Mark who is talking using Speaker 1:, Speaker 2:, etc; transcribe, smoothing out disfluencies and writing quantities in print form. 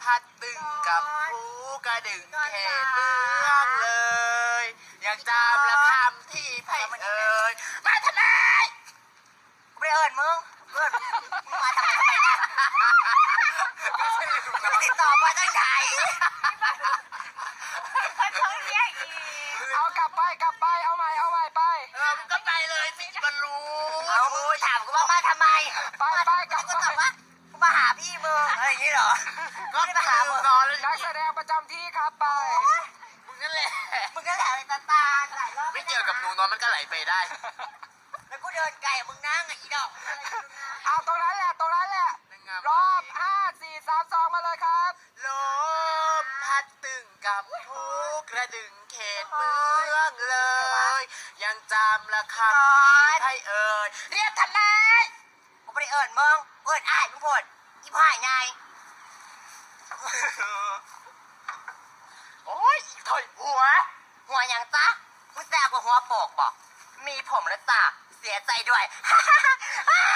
Speaker 1: พัดตึงกับภูกระดึงเขตเมืองเลยยังจำละคำที่ไพ่เอ่ยมาทำไม
Speaker 2: ไม่เอิญมึงมาทำไมเนี่ยติดต่อมาตั้งไหน
Speaker 3: เอากลับไปเอาใหม่ไป
Speaker 1: มึงก็ไปเลยสิมันรู้
Speaker 2: เอามึงถามกูว่ามาทำไม
Speaker 3: ไปกลับไป
Speaker 2: กูมาหาพี่มึงอะไรอย่างนี้เหรอ
Speaker 1: ก็ไม่ได้มาหามึง
Speaker 3: นักแสดงประจำที่ครับไป
Speaker 1: มึงนั่นแหละ
Speaker 2: อะไรตาหลายรอบ
Speaker 1: ไม่เกี่ยวกับหนูนอนมันก็ไหลไปได้
Speaker 2: แล้วกูเดินไก่มึงนั่งอีดอก
Speaker 3: เอาตรงนั้นแหละรอบ5 4 3 2มาเลยครับ
Speaker 1: ลมพัดตึงกับภูกระดึงเขตเมืองเลยยังจำละคำที่ไพ่เอ่ยเรียกทำไม
Speaker 2: กูไม่ได้เอิญมึงเอิญอ้ายมึงพูดอีพ่ายไง
Speaker 1: โอ้ยถอยหัว
Speaker 2: อย่างจ๊ะมึงแซ่บกว่าหัวโปกบอกมีผมแล้วจ้ะเสียใจด้วย